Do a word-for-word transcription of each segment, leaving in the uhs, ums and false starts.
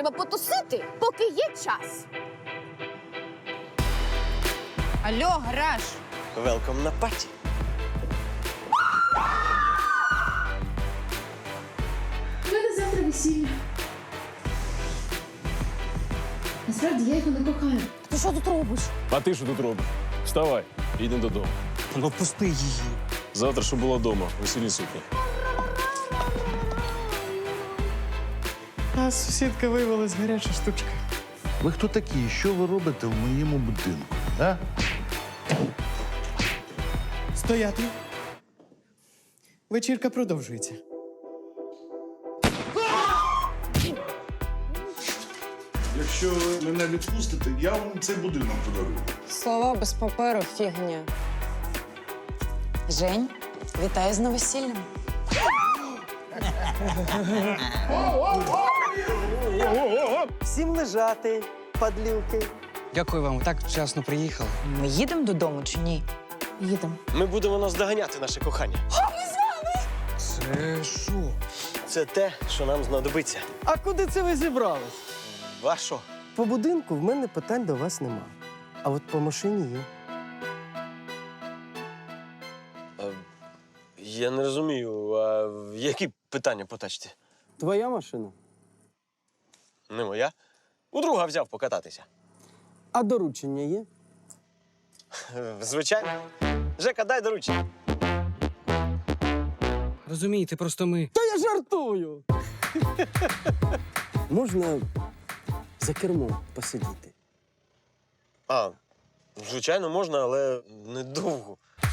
Треба потусити, поки є час. Алло, гараж! Велком на паті. У мене завтра весілля. Насправді я його не кохаю. Ти що тут робиш? А ти що тут робиш? Вставай, їдемо додому. Ну, пусти її. Завтра, щоб була вдома, весільні сукні. А сусідка виявилась гаряча штучка. Ви хто такі? І що ви робите в моєму будинку? А? Стояти. Вечірка продовжується. Якщо ви мене відпустите, я вам цей будинок подарую. Слова без паперу – фігня. Жень, вітаю з новосіллям. Всім лежати, падлюки. Дякую вам, ви так вчасно приїхали. Ми їдемо додому чи ні? Їдемо. Ми будемо наздоганяти наше кохання. Це що? Це те, що нам знадобиться. А куди це ви зібрались? Вашо? По будинку в мене питань до вас нема. А от по машині є. Я не розумію, а які питання по тачці? Твоя машина? Не моя. У друга взяв покататися. А доручення є? Звичайно. Жека, дай доручення. Розумієте, просто ми. Та я жартую! Можна за кермом посидіти? А, звичайно, можна, але недовго.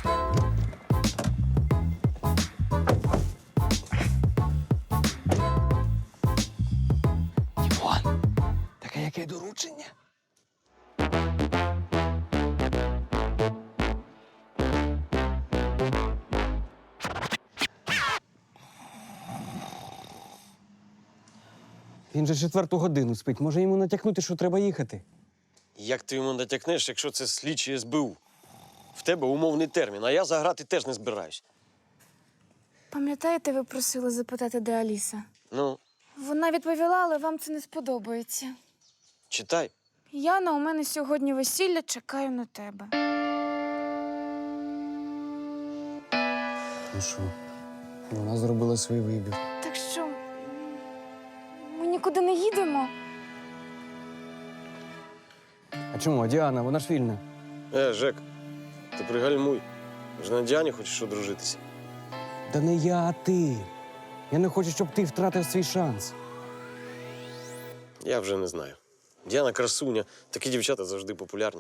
Дімон, таке яке доручення? Він же четверту годину спить. Може йому натякнути, що треба їхати? Як ти йому натякнеш, якщо це слідчі ес бе у? В тебе умовний термін, а я заграти теж не збираюсь. Пам'ятаєте, ви просили запитати, де Аліса? Ну, Вона відповіла, але вам це не сподобається. читай. Яна, у мене сьогодні весілля, чекаю на тебе. Ну що, вона зробила свій вибір. Так що, ми нікуди не їдемо? А чому? А Діана, вона ж вільна. Е, Жек, ти пригальмуй. Ж на Діані хочеш одружитися. Та не я, а ти. Я не хочу, щоб ти втратив свій шанс. Я вже не знаю. Діана красуня, такі дівчата завжди популярні.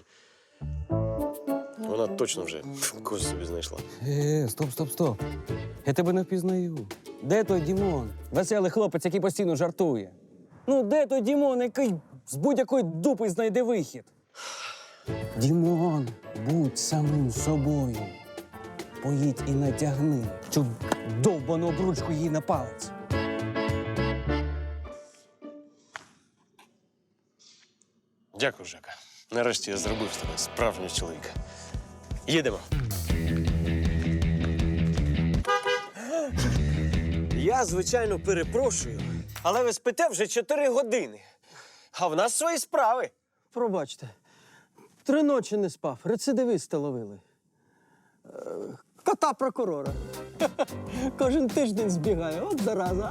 Вона точно вже когось собі знайшла. Е, стоп, стоп, стоп. Я тебе не впізнаю. Де той Дімон? Веселий хлопець, який постійно жартує. Ну, де той Дімон, який з будь-якої дупи знайде вихід? Дімон, будь самим собою. Поїдь і натягни цю довбану обручку їй на палець. Дякую, Жека. Нарешті я зробив з тебе справжнього чоловіка. Їдемо. Я, звичайно, перепрошую, але ви спите вже чотири години. А в нас свої справи. Пробачте. Три ночі не спав. Рецидивиста ловили. Е, Кота прокурора. Кожен тиждень збігає. От зараза.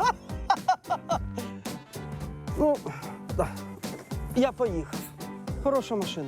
Ну, так. Я поїхав. Хороша машина.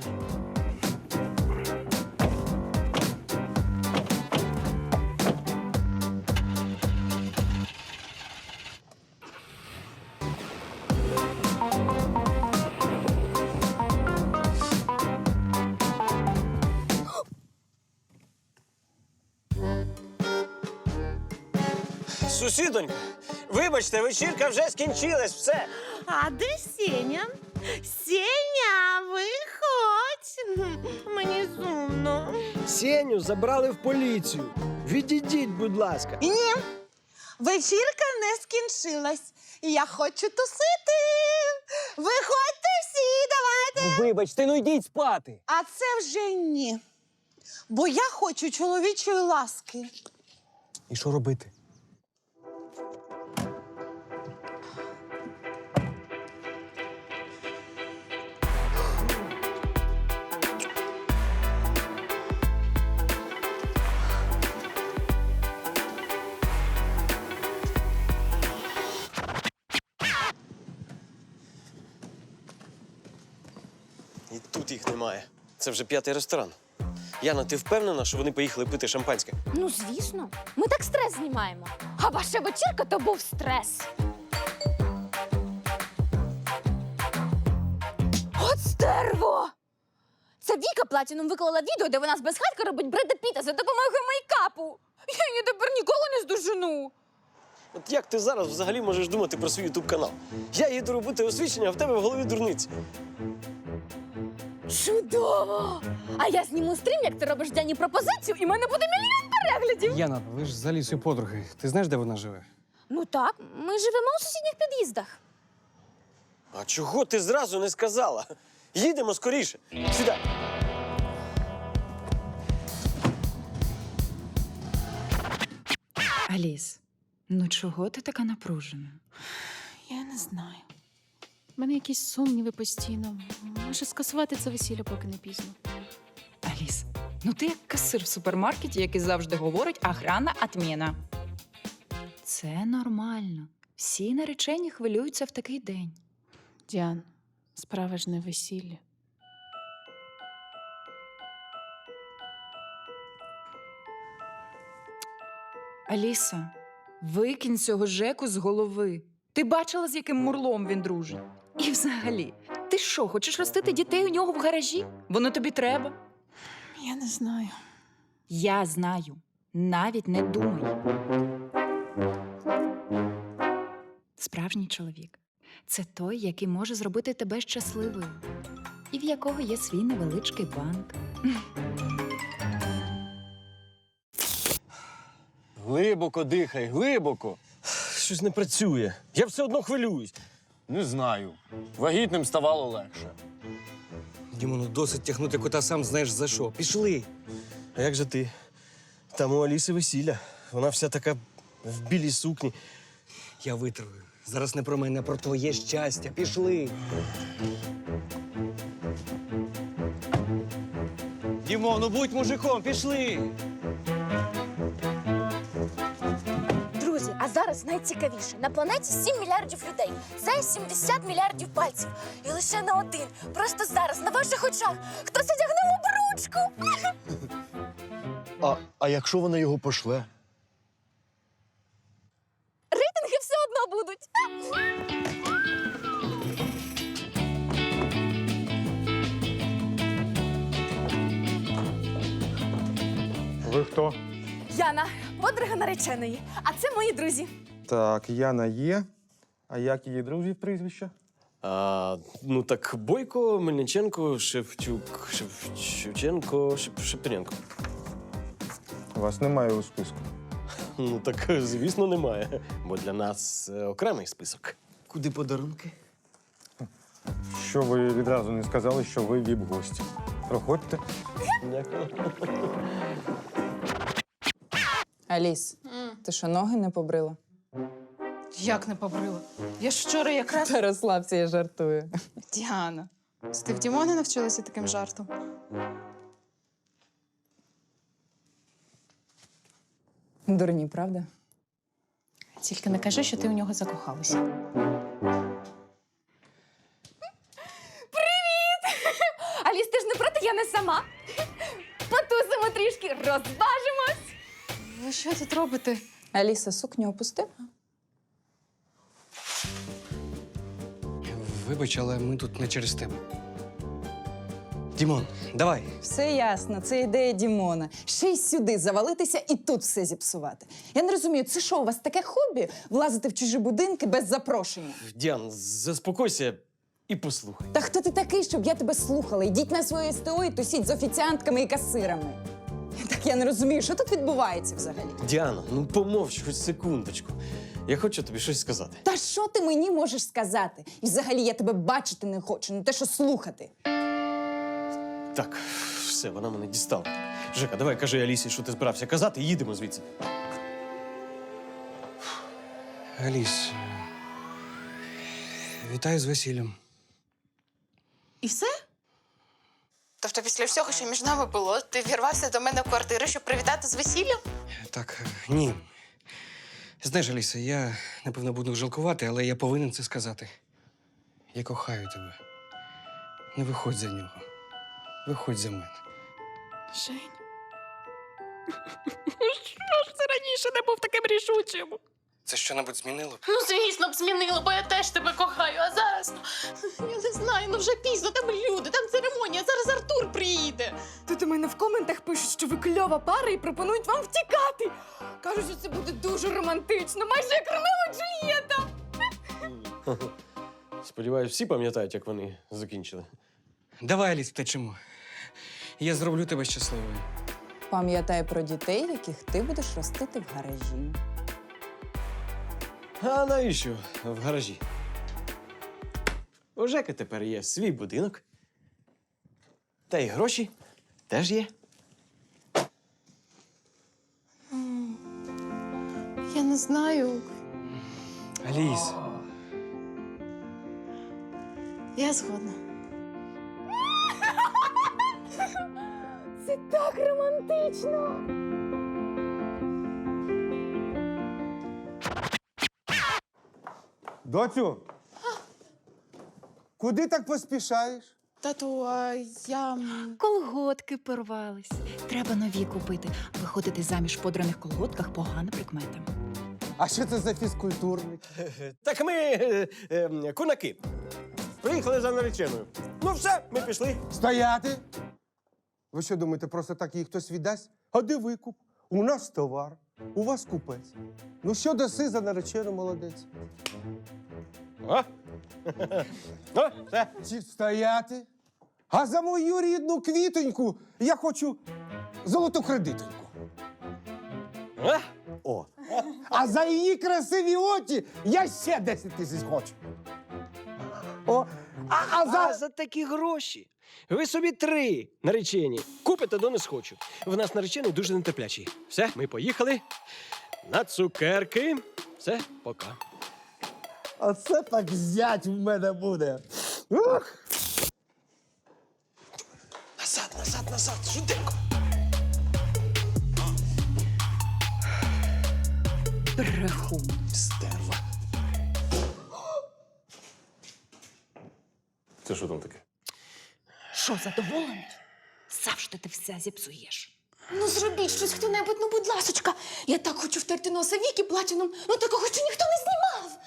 Сусідонька, вибачте, вечірка вже скінчилась, все. А де Сеня? Сеня, виходь. Мені сумно. Сеню забрали в поліцію. Відійдіть, будь ласка. Ні, вечірка не скінчилась. Я хочу тусити. Виходьте всі, давайте. Вибачте, ну йдіть спати. А це вже ні. Бо я хочу чоловічої ласки. І що робити? тут їх немає. Це вже п'ятий ресторан. Яна, ти впевнена, що вони поїхали пити шампанське? Ну, звісно. Ми так стрес знімаємо. А ваша вечірка то був стрес. От стерво! Це Віка Платіном виклала відео, де вона з безхатька робить Бреда Піта за допомогою мейкапу. Я її тепер ніколи не здожену. От як ти зараз взагалі можеш думати про свій ютуб-канал? Я їду робити освічення, а в тебе в голові дурниці. Чудово! А я зніму стрім, як ти робиш Дяні пропозицію, і в мене буде мільйон переглядів. Яна, ви ж з Алісою подруги. Ти знаєш, де вона живе? Ну так, ми живемо у сусідніх під'їздах. А чого ти зразу не сказала? Їдемо скоріше. Сідай. Аліс, ну чого ти така напружена? Я не знаю. У мене якісь сумніви постійно. Може, скасувати це весілля, поки не пізно. Аліс, ну ти як касир в супермаркеті, який завжди говорить «охрана отміна». Це нормально. Всі наречені хвилюються в такий день. Діан, справа ж не весілля. Аліса, викинь цього Жеку з голови. Ти бачила, з яким мурлом він дружить? І взагалі, ти що, хочеш ростити дітей у нього в гаражі? Воно тобі треба? Я не знаю. Я знаю. Навіть не думай. Справжній чоловік – це той, який може зробити тебе щасливою. І в якого є свій невеличкий банк. Глибоко дихай, глибоко. Щось не працює. Я все одно хвилююсь. Не знаю. Вагітним ставало легше. Дімону, досить тягнути кота сам знаєш за що. Пішли. А як же ти? Там у Аліси весілля. Вона вся така в білій сукні. Я витримаю. Зараз не про мене, а про твоє щастя. Пішли. Дімон, ну будь мужиком, пішли. Друзі, а зараз найцікавіше. На планеті сім мільярдів людей. Це сімдесят мільярдів пальців. І лише на один, просто зараз, на ваших очах, хтось одягне обручку. А, а якщо вона його пошле? Рейтинги все одно будуть. Ви хто? Яна, подруга нареченої. А це мої друзі. Так, Яна є. А як її друзів прізвища? А, ну так Бойко, Мельниченко, Шевчук, Шев... Шевченко, Шеп... Шептуренко. Вас немає у списку. Ну так, звісно, немає. Бо для нас е, окремий список. Куди подарунки? Що ви відразу не сказали, що ви віп-гості? Проходьте. Дякую. Аліс, ти що, ноги не побрила? Як не побрила? Я ж вчора якраз... Та розслабся, я жартую. Діана, ти в Дімони навчилася таким жартом? Дурні, правда? Тільки не кажи, що ти у нього закохалася. Аліс, ти ж не проти, я не сама. Потусимо трішки, розважимось. Ви що тут робите? Аліса, сукню опусти. Вибач, але ми тут не через тебе. Дімон, давай. Все ясно, це ідея Дімона. Ще й сюди завалитися і тут все зіпсувати. Я не розумію, це що, у вас таке хобі – влазити в чужі будинки без запрошення? Діан, заспокойся і послухай. Та хто ти такий, щоб я тебе слухала? Йдіть на своє СТО і тусіть з офіціантками і касирами. Так я не розумію, що тут відбувається взагалі? Діана, ну помовч хоч секундочку. Я хочу тобі щось сказати. Та що ти мені можеш сказати? І взагалі я тебе бачити не хочу, не те, що слухати. Так, все, вона мене дістала. Жека, давай кажи Алісі, що ти збирався казати, і їдемо звідси. Аліс, вітаю з весіллям. І все? Тобто після всього, що між нами було, ти вірвався до мене в квартиру, щоб привітати з весіллям? Так, е, ні. Знаєш, Аліса, я, напевно, буду жалкувати, але я повинен це сказати. Я кохаю тебе. Не виходь за нього. Виходь за мене. Жень. Що ж це раніше не був таким рішучим? Це що-небудь змінило? Ну, звісно б, змінило, бо я теж тебе кохаю, а зараз, ну, я не знаю, ну вже пізно, там люди, там церемонія, зараз Артур приїде. Тут у мене в коментах пишуть, що ви кльова пара і пропонують вам втікати. Кажуть, що це буде дуже романтично, майже як Ромео і Джульєта. Сподіваюсь, всі пам'ятають, як вони закінчили. Давай, Аліс, втечемо. Я зроблю тебе щасливою. Пам'ятай про дітей, яких ти будеш ростити в гаражі. А навіщо в гаражі? У Жеки тепер є свій будинок. Та й гроші теж є. Я не знаю. Аліс. Я згодна. Це так романтично. Доцю! Куди так поспішаєш? Тату, а я... Колготки порвались. Треба нові купити. Виходити заміж в подраних колготках погана прикмета. А що це за фізкультурник? Так ми е, е, кунаки. Приїхали за нареченою. Ну все, ми пішли. Стояти! Ви що думаєте, просто так її хтось віддасть? А де викуп? У нас товар, у вас купець. Ну що даси за наречену, молодець? О! О, все. Чи стояти? А за мою рідну квітоньку я хочу золоту кредитоньку. О! О. А за її красиві очі я ще десять тисяч хочу. О, а, а за... А за такі гроші ви собі три наречені купите до не схочу. В нас наречений дуже нетерплячий. Все, ми поїхали. На цукерки. Все, пока. Оце так зять в мене буде. Ух! Назад, назад, назад, швиденько. Брехун. Стерва. Це що там таке? Що, задоволений? Завжди ти все зіпсуєш. Ну зробіть щось хто-небудь, ну будь ласочка. Я так хочу втерти носа Віки платіном, ну такого ще ніхто не знімав.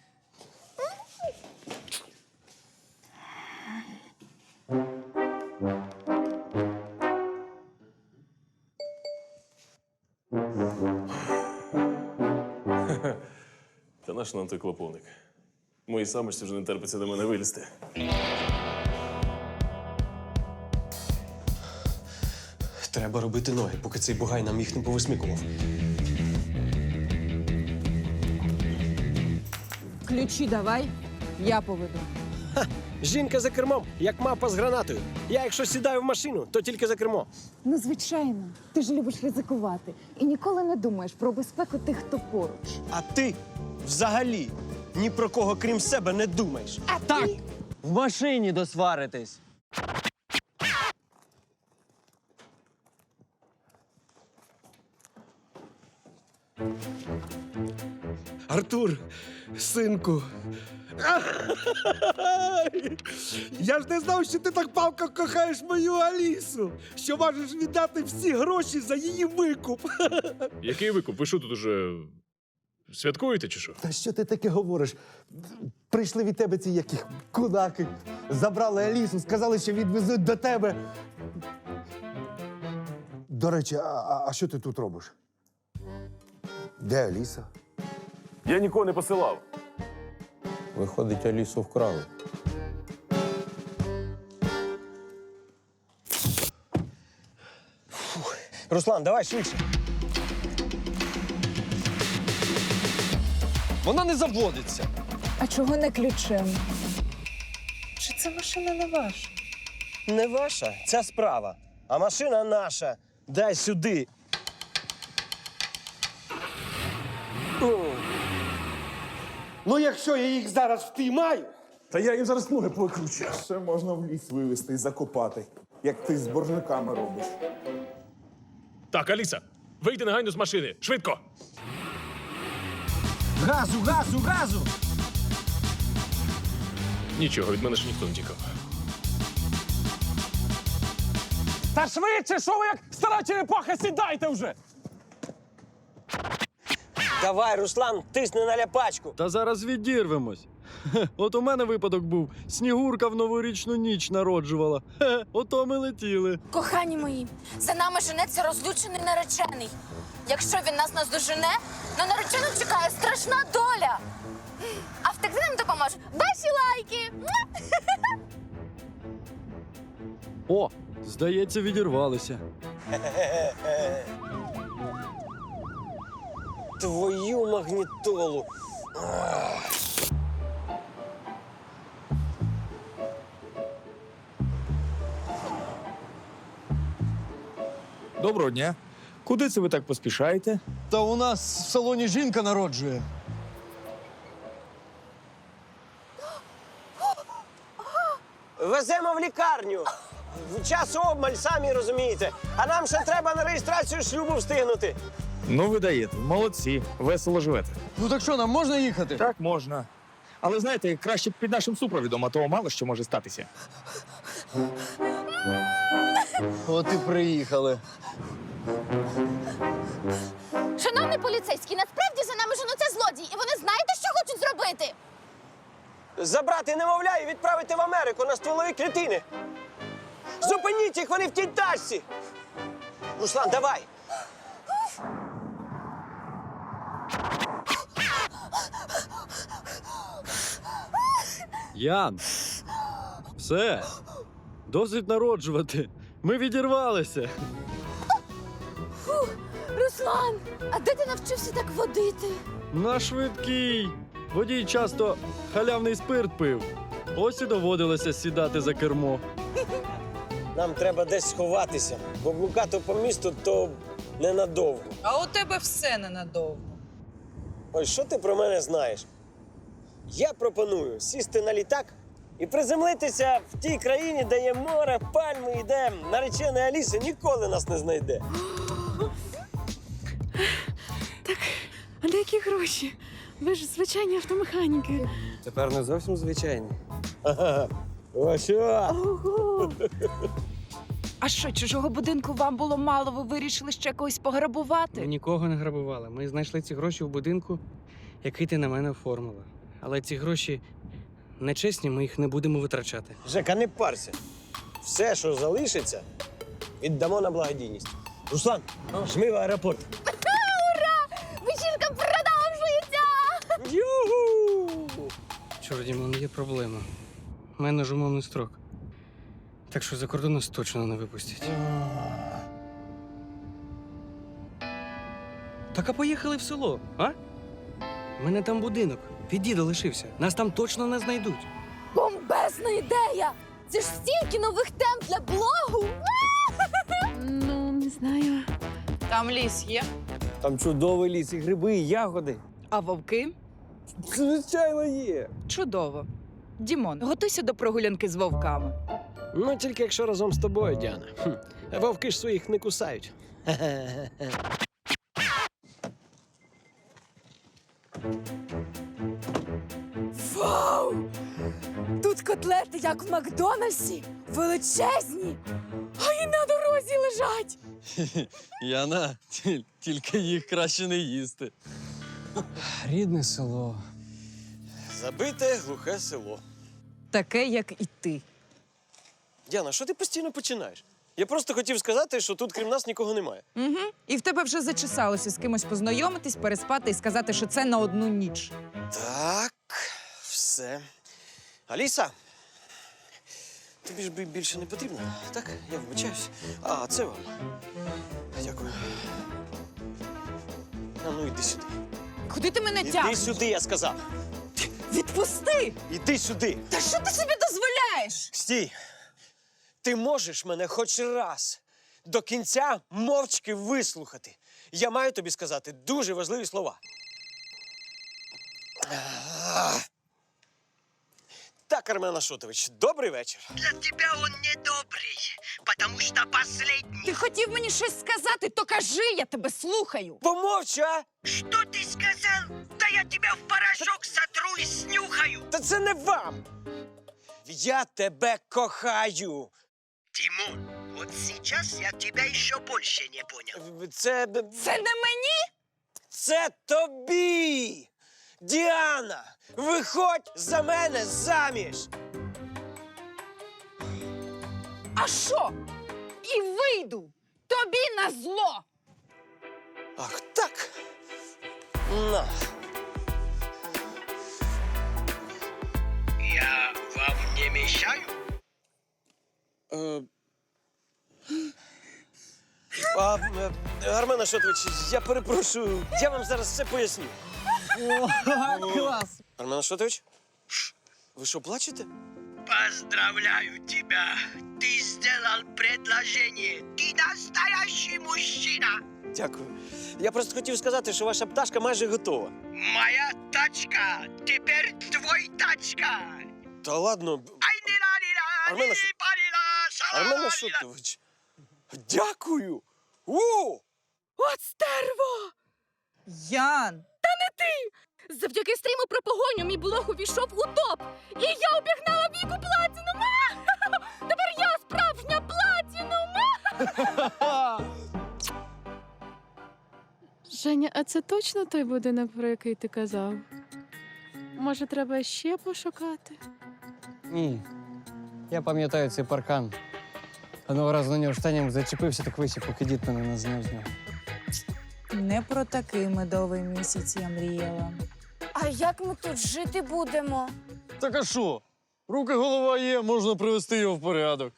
Та наш нам той клоповник. Моїй самочці вже не терпиться до мене вилізти. Треба робити ноги, поки цей бугай нам їх не повисмікував. Ключі давай, я поведу. Жінка за кермом, як мавпа з гранатою. Я, якщо сідаю в машину, то тільки за кермо. Ну, звичайно, ти ж любиш ризикувати і ніколи не думаєш про безпеку тих, хто поруч. А ти взагалі ні про кого, крім себе, не думаєш. А так! В машині досваритись. Артур, синку. Я ж не знав, що ти так палко кохаєш мою Алісу, що можеш віддати всі гроші за її викуп. Який викуп? Ви що тут уже святкуєте чи що? Та що ти таке говориш? Прийшли від тебе ці яких кунаки, забрали Алісу, сказали, що відвезуть до тебе. До речі, а, а, а що ти тут робиш? Де Аліса? Я нікого не посилав. Виходить, Алісу вкрали. Руслан, давай швидше. Вона не заводиться. А чого не ключем? Чи це машина не ваша? Не ваша, ця справа. А машина наша. Дай сюди. Ну, якщо я їх зараз впіймаю, Та я їм зараз ноги покручу. Ще можна в ліс вивезти і закопати, як ти з боржниками робиш. Так, Аліса, вийди негайно з машини. Швидко! газу, газу, газу! Нічого, від мене ж ніхто не тікав. Та швидше, що ви як стара черепаха, сідайте вже! Давай, Руслан, тисни на ляпачку. Та зараз відірвемось. Хе, от у мене випадок був. Снігурка в новорічну ніч народжувала. Хе, ото ми летіли. Кохані мої, за нами женеться розлючений наречений. Якщо він нас наздожене, на наречену чекає страшна доля. А втекти нам допоможе ваші лайки. О, здається, відірвалися. Твою магнітолу. Доброго дня. Куди це ви так поспішаєте? Та у нас в салоні жінка народжує. Веземо в лікарню. Час обмаль, самі розумієте. А нам ще треба на реєстрацію шлюбу встигнути. Ну, ви даєте. Молодці. Весело живете. Ну так що, нам можна їхати? Так, можна. Але знаєте, краще б під нашим супровідом, а то мало що може статися. От і приїхали. Шановний поліцейський, насправді за нами женуться злодії, і вони знаєте, що хочуть зробити? Забрати немовля і відправити в Америку на стволові клітини. Зупиніть їх, вони в тій тачці. Руслан, давай. Ян, все. Досить народжувати. Ми відірвалися. Руслан, а де ти навчився так водити? На швидкий. Водій часто халявний спирт пив. Ось і доводилося сідати за кермо. Нам треба десь сховатися, бо блукати по місту то ненадовго. А у тебе все ненадовго. Ой, що ти про мене знаєш? Я пропоную сісти на літак і приземлитися в тій країні, де є море, пальми і де наречена Аліса ніколи нас не знайде. А на які гроші? Ви ж звичайні автомеханіки. Тепер не зовсім звичайні. Ага. Ось що? Ого! А що, чужого будинку вам було мало, ви вирішили ще когось Ми пограбувати? нікого не грабували. Ми знайшли ці гроші в будинку, який ти на мене оформила. Але ці гроші нечесні, ми їх не будемо витрачати. Жека, не парся. Все, що залишиться, віддамо на благодійність. Руслан, жми в аеропорт. Ура! Вечірка продовжується! Юху! Чорт, Дімон, є проблема. У мене ж умовний строк. Так що за кордон нас точно не випустять. Так а поїхали в село, а? У мене там будинок. Від діда лишився. Нас там точно не знайдуть. Бомбезна ідея! Це ж стільки нових тем для блогу! Ну, не знаю. Там ліс є. Там чудовий ліс, і гриби, і ягоди. А вовки? Звичайно, є. Чудово. Дімон, готуйся до прогулянки з вовками. Ну, тільки якщо разом з тобою, Діана. Хм. Вовки ж своїх не кусають. Вау! Тут котлети, як в Макдональдсі, величезні, а і на дорозі лежать. Яна, тільки їх краще не їсти. Рідне село. Забите глухе село. Таке, як і ти. Діана, що ти постійно починаєш? Я просто хотів сказати, що тут крім нас нікого немає. Угу. І в тебе вже зачесалося з кимось познайомитись, переспати і сказати, що це на одну ніч. Так, все. Аліса, тобі ж би більше не потрібно, так? Я вибачаюсь. А, це вам. Дякую. А ну йди сюди. Куди ти мене Іди тягнеш? сюди, я сказав. Відпусти! Іди сюди. Та що ти собі дозволяєш? Стій. Ти можеш мене хоч раз до кінця мовчки вислухати. Я маю тобі сказати дуже важливі слова. Так, Армен Ашотович, добрий вечір. Для тебя он недобрый, потому что последний. Ти хотів мені щось сказати, то кажи, я тебе слухаю. Помовч, а? Что ты сказал? Да я тебя в порошок сотру и снюхаю. Та це не вам. Я тебе кохаю. Тимон, Вот сейчас я тебя еще больше не понял. Це. Це не мені? Це тобі! Діана! Виходь за мене заміж! А що? І вийду! Тобі на зло! Ах так! На! Я вам не мешаю? Е, А, е, Армен Ашотович, я перепрошую, я вам зараз все поясню. Клас! Армен Ашотович? Ви що, плачете? Поздравляю тебя! Ты сделал предложение! Ты настоящий мужчина! Дякую. Я просто хотів сказати, що ваша пташка майже готова. Моя тачка! Теперь твой тачка! Та ладно. Армен Ашотович. Армен Ашотович. Дякую. О! От стерво! Ян! Та не ти! Завдяки стріму про погоню мій блог увійшов у топ! І я обігнала Віку Платінум! А! Тепер я справжня Платінум! Женя, а це точно той будинок, про який ти казав? Може, треба ще пошукати? Ні. Я пам'ятаю цей паркан. Одного разу на нього штаням зачепився, так висів, поки дід мене не зняв з нього. Не про такий медовий місяць я мріяла. А як ми тут жити будемо? Так а що? Руки, голова є, можна привести його в порядок.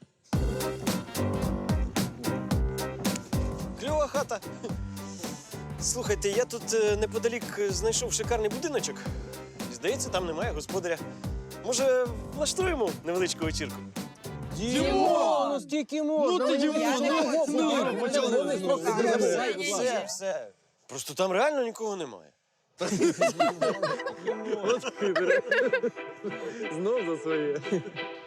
Кльова хата. Слухайте, я тут е, неподалік е, знайшов шикарний будиночок. І, здається, там немає господаря. Може, влаштуємо невеличку вечірку? Дімон! Ну стільки можна! Ну ти, Дімон, ну, ну, Все, все. Просто там реально нікого немає. Знов за своє.